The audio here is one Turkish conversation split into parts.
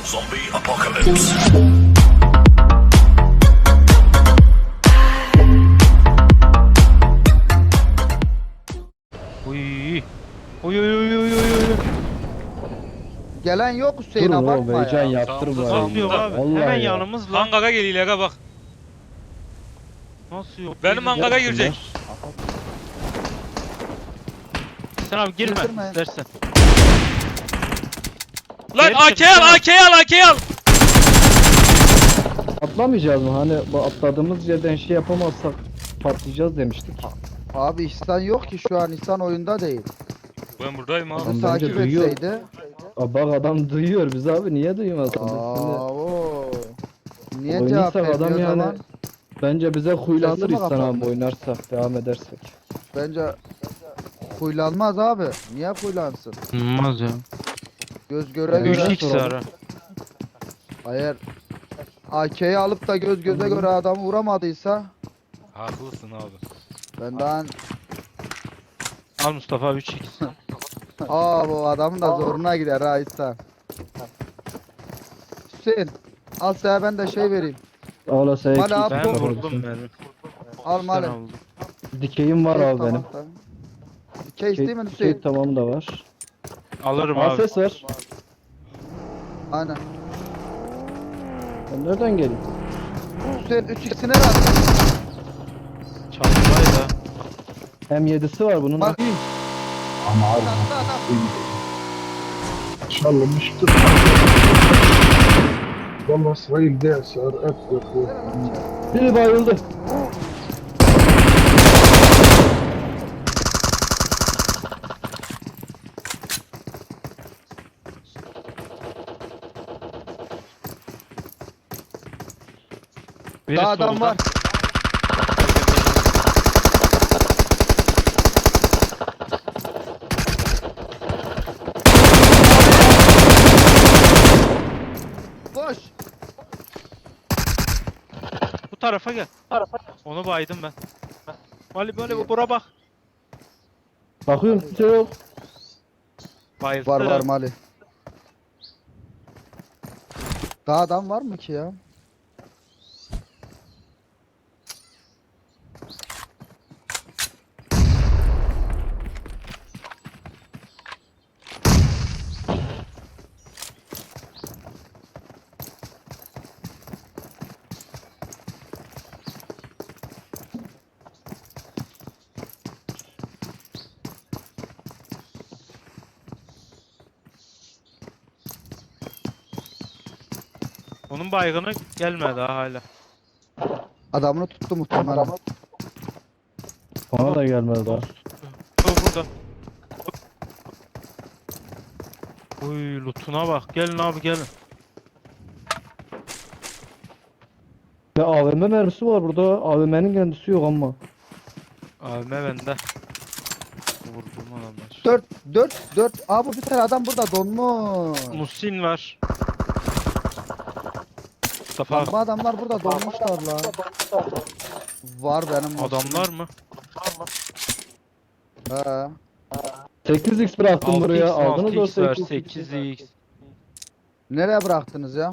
Zombie apocalypse. Uy. Uy uy uy uy uy. Gelen yok Hüseyin Durun oğlum, abartma heyecan ya. yaptırma. Nasıl yok ya. abi? Vallahi Hemen ya. yanımızda. Hangara geliyor aga bak. Nasıl yok? Benim hangara girecek. Sen abi girme Girdirme. istersen. Lan Geri çek, AK al tamam. AK al AK al. Atlamayacağız mı? Hani bu atladığımız yerden şey yapamazsak patlayacağız demiştik. Abi İhsan yok ki şu an İhsan oyunda değil. Ben buradayım abi. Adam Bizi bence takip duyuyor. etseydi. Aa, bak adam duyuyor bizi abi, niye duymasın? Biz Oo. Niye şimdi cevap oynarsak vermiyor adam o yani zaman? bence bize huylanır Sesimi İhsan abi kapattı. oynarsak, devam edersek. Bence huylanmaz abi. Niye huylansın? Olmaz ya. Göz göre Üç göre. 3x ara. Hayır. AK'yi alıp da göz göze göre adamı vuramadıysa Haklısın abi. ben daha Al Mustafa 3x. bu adamın da zoruna gider ha İhsan. Hüseyin al sana ben de şey vereyim. Ağla Mali abi, Ben Tamam. vurdum benim. Al Sen mali. aldın. Dikeyim var abi Tamam, benim. tamam. Case değil mi Dikey Hüseyin? tamam da var. Alırım Aa, abi. ses var. Aynen. Ben nereden geleyim? Hüseyin 3x'ine ver. Çatlaydı. M7'si var bunun. Bak. Adam. شلمشت والله اسرائيل ده صار افضل Biri bayıldı. Biri Daha adam solda. var. Koş. Bu tarafa gel. Onu baydım ben. Mali bura bak. Bakıyorum kimse yok. Bayıldı. Var Mali. Daha adam var mı ki ya? Onun baygını gelmedi daha hala. Adamını tuttu muhtemelen. Bana da gelmedi daha. Bu burada. Uy lootuna bak. Gelin abi gelin. Ya AVM mermisi var burada. AVM'nin kendisi yok ama. AVM bende. Vurdum adamlar. 4 Abi bir tane adam burada donmuş. Musin var. Mustafa Lan bu adamlar burada donmuşlar la. Var benim. adamlar mı? He. 8x bıraktım buraya. 6x Aldınız o 6x var 8x. 8x Nereye bıraktınız ya?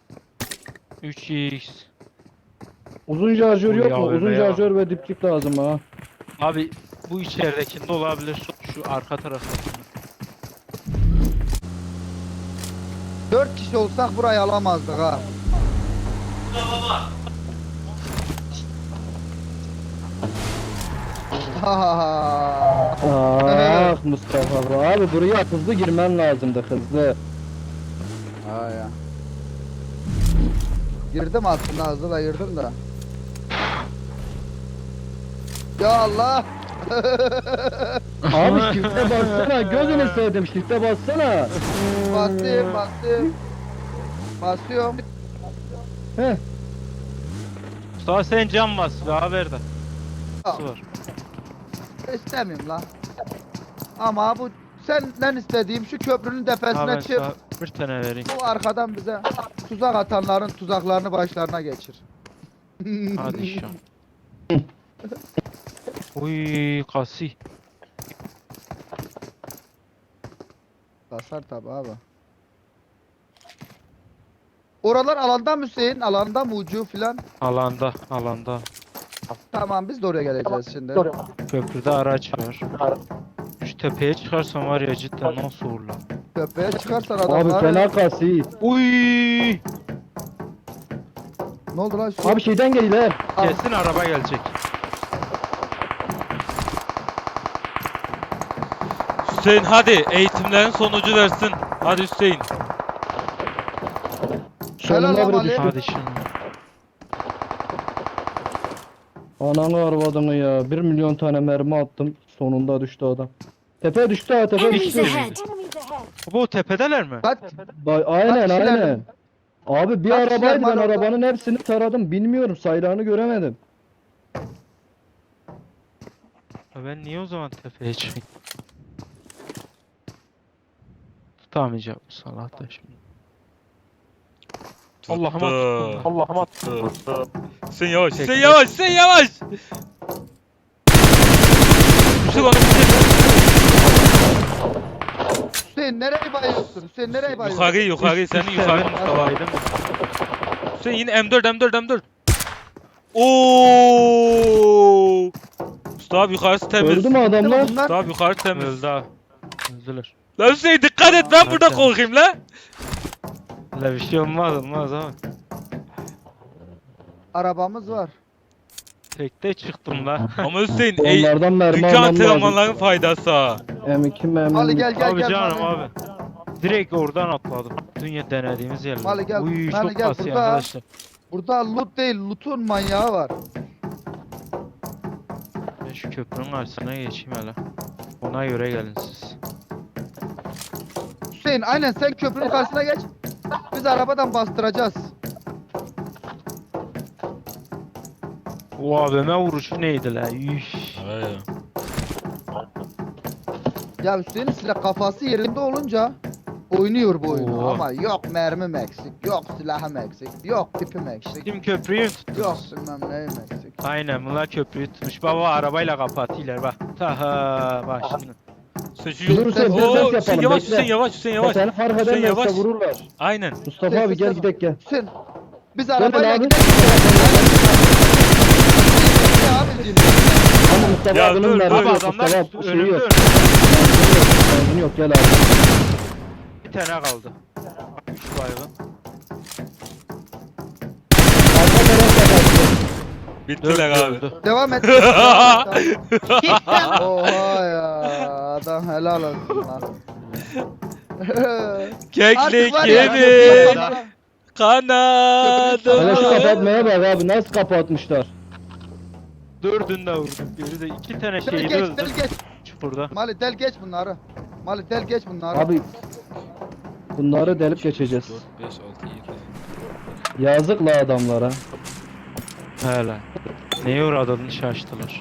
3x. Uzun şarjör Oy yok ya, mu? Uzun öyle ya. şarjör ve diplik lazım ha. Abi bu içeridekinde olabilir. Şu arka tarafta. 4 kişi olsak burayı alamazdık ha. Ah Mustafa abi, buraya hızlı girmen lazımdı, hızlı. Ha ya. Girdim aslında hızlı da girdim de. Ya Allah. Abi shift'e bassana, gözünü sevdim, shift'e bassana. Bastım. Basıyorum. Heh. Mustafa sen can bas. Daha ver de. Al. Var. İstemiyorum lan. Ama bu senden istediğim şu köprünün Ha, tepesine ben çık. sana bir tane vereyim. Bu arkadan bize tuzak atanların tuzaklarını başlarına geçir. Hadi inşallah. Uy kasi. Basar tabi abi. Oralar alanda mı Hüseyin? Alanda mı ucu filan? Alanda, alanda. Tamam biz de oraya geleceğiz şimdi. Köprüde araç var. Şu tepeye çıkarsam var ya cidden nasıl olur lan? Köprüye çıkarsan Abi adamlar. fena kasi. Uy! Ne oldu lan Hüseyin? Abi şeyden geliyor he. Kesin araba gelecek. Hüseyin hadi eğitimlerin sonucu versin. Hadi Hüseyin. Helal Sonunda biri Ali. düştü. Hadi şimdi. Ananı arvadını ya. 1 milyon tane mermi attım. Sonunda düştü adam. Tepeye düştü ha, tepeye Enemies düştü. ahead! Bu tepedeler mi? Kaç? Aynen kişiler? aynen. Abi bir Kaç kişiler arabaydı, ben var orada? arabanın hepsini taradım. Bilmiyorum, sayrağını göremedim. Ya ben niye o zaman tepeye çıkayım? Tutamayacağım bu salak da şimdi. Allah'ıma tuttum. Allah'ıma tuttum. Hüseyin yavaş. Tek- Hüseyin yavaş. Hüseyin yavaş. Bitir onu bitir. Hüseyin nereye bayıyorsun? Hüseyin nereye bayıyorsun? Yukarı senin Üst yukarı seviye Mustafa. Mustafa'ydım. Hüseyin yine M4. Oo! Mustafa abi yukarısı temiz. Öldü mü adamlar? Bunlar Mustafa abi yukarı temiz. Öldü abi. Öldüler. Lan Hüseyin dikkat et ben burada Zaten. korkayım la. Öyle bir şey olmaz abi. arabamız var. Tekte çıktım la. Ama Hüseyin Onlardan mermi dünkü almam antrenmanların lazım. faydası ha. M2 mermi. Mali gel gel Abi gel. canım Mali. abi. Direkt oradan atladım. Dünya denediğimiz yerler. Mali gel, Uy Mali çok gel, kasıyor burada. arkadaşlar. Burada loot değil, loot'un manyağı var. Ben şu köprünün karşısına geçeyim hele. Ona göre gelin siz. Hüseyin aynen sen köprünün karşısına geç. Biz arabadan bastıracağız. O AVM vuruşu neydi la? Üf. Ya Hüseyin'in silah kafası yerinde olunca oynuyor bu oyunu. Oo. Ama yok mermim eksik, yok silahım eksik, yok tipim eksik, Kim köprüyü tuttu? yok bilmem neyim eksik. Aynen bunlar köprüyü tutmuş. Baba arabayla kapatıyorlar bak. Taha bak şimdi. Seçiyor. Dur Hüseyin, Oo, ses Hüseyin yapalım, yavaş bekle. Hüseyin yavaş. Seni fark Hüseyin ederlerse yavaş. vururlar. Aynen. Mustafa abi gel gidelim gel. Hüseyin biz arabayla abi. gidelim. Abicim. Ama Mustafa Ya abinin dur, mermi dur. Abi yok. adamlar Mustafa abi şeyi önümde yok. önümde. Benzin yok, gel abi. Bir tane kaldı. 3 baygın. Arka taraf kapattı. Bittiler abi. Öldü. Devam et. Oha ya adam helal olsun lan. Keklik Artık var ya, yedi. ya. Kanadı. Hele şu kapatmaya bak abi, nasıl kapatmışlar. Dördünde vurduk. Biri de 2 tane Del şeyde geç, del öldü. geç. Çukurda. Mali del geç bunları. Mali del geç bunları. Abi bunları delip geçeceğiz. 4, 5, 6, 7. Yazık la adamlara. Hele. Neye uğradığını şaştılar.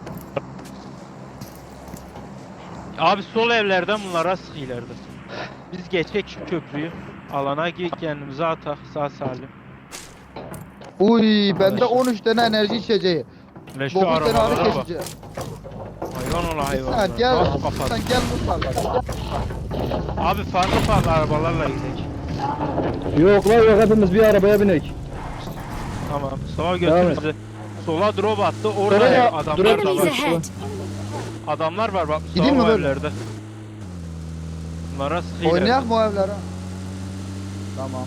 Abi sol evlerden bunlara sıkıyorlardı. Biz geçek şu köprüyü. Alana kendimize atak sağ salim. Uy bende Arkadaşlar. 13 tane enerji içeceği. Ve şu 9 tane ağrı arabalara bak. kesici. Hayvan ola hayvan. Sen gel. Nasıl kapat? Sen gel mutfağa. Abi farklı arabalarla gidelim. Yok la yok, hepimiz bir arabaya binek. Tamam. Sağa Devam et. götür bizi. Sola drop attı. Orada Sonra da adamlar drop da Enemies var. ahead! Adamlar var bak. Gideyim Sağ mi böyle? evlerde. Bunlara sıkıyorlar. Oynayak mı o evlere? Tamam.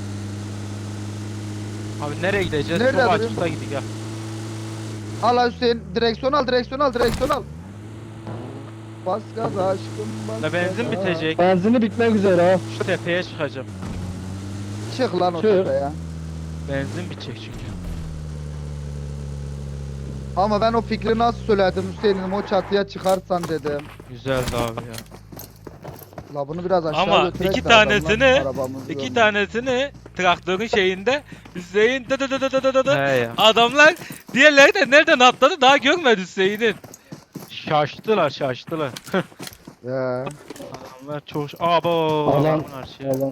Abi nereye gideceğiz? Nerede Çok duruyor? açıkta gidik ya. Al Hüseyin direksiyon al direksiyon al direksiyon al. Bas gaz aşkım bas La benzin gaza. bitecek. Benzini bitmek üzere ha. Şu tepeye çıkacağım. Çık lan o Çık. tepeye. Benzin bitecek çünkü. Ama ben o fikri nasıl söyledim Hüseyin'im o çatıya çıkarsan dedim. Güzeldi abi ya. La bunu biraz aşağı Ama götürek iki de adamlar tanesini arabamızı iki görmesin. tanesini traktörün şeyinde Hüseyin He ya. adamlar diğerleri de nereden atladı daha görmedi Hüseyin'in. Şaştılar. Ya. Adamlar çok... Abo. Alan- adamın her şeyi. Yalan.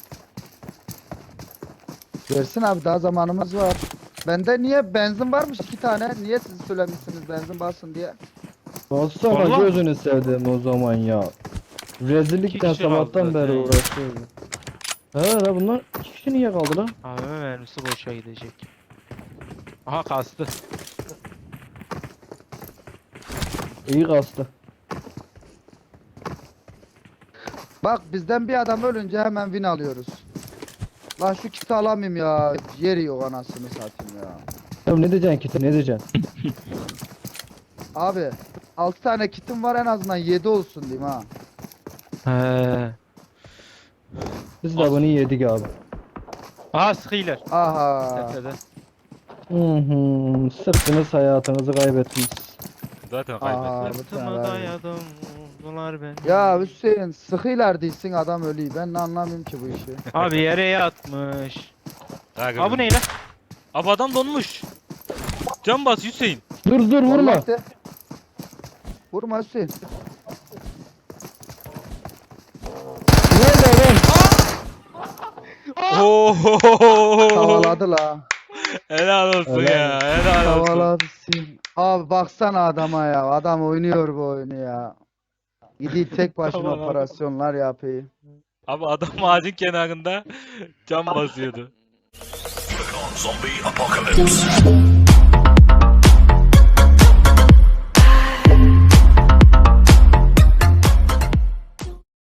Versin abi daha zamanımız var. Bende niye benzin varmış 2 tane? Niye siz söylemişsiniz benzin basın diye? Bassana Vallahi- gözünü sevdim o zaman ya. İki Rezillikten kişi kaldı sabahtan beri zaten ya. uğraşıyorum. He la bunlar 2 kişi niye kaldı lan? AVM mermisi boşa gidecek. Aha kastı. İyi kastı. Bak bizden bir adam ölünce hemen win alıyoruz. Lan şu kiti alamayayım ya. Yeri yok anasını satayım ya. Ya ne diyeceksin ki ne diyeceksin? Abi 6 tane kitim var en azından 7 olsun diyeyim ha. He. Biz de bunu yedik abi. Aha sıkıylar. Aha. Tepede. Sırtınız hayatınızı kaybettiniz. Zaten Aa, kaybettiler. bu tane Sırtıma var. dayadım. Bunlar ben. Ya Hüseyin sıkıylar değilsin adam ölüyor. Ben de anlamıyorum ki bu işi. Abi yere yatmış. Kanka Abi bu ne lan? Abi adam donmuş. Can bas Hüseyin. Dur vurma. Vallahi de. Vurma Hüseyin. Nerede adam? Oo. Tavaladı la. Helal olsun Helal ya. Helal olsun. Tavaladı Hüseyin. Abi baksana adama ya. Adam oynuyor bu oyunu ya. Gidiyor tek başına Tavaladı. operasyonlar yapıyor. Abi adam ağacın kenarında can basıyordu. Zombie apocalypse.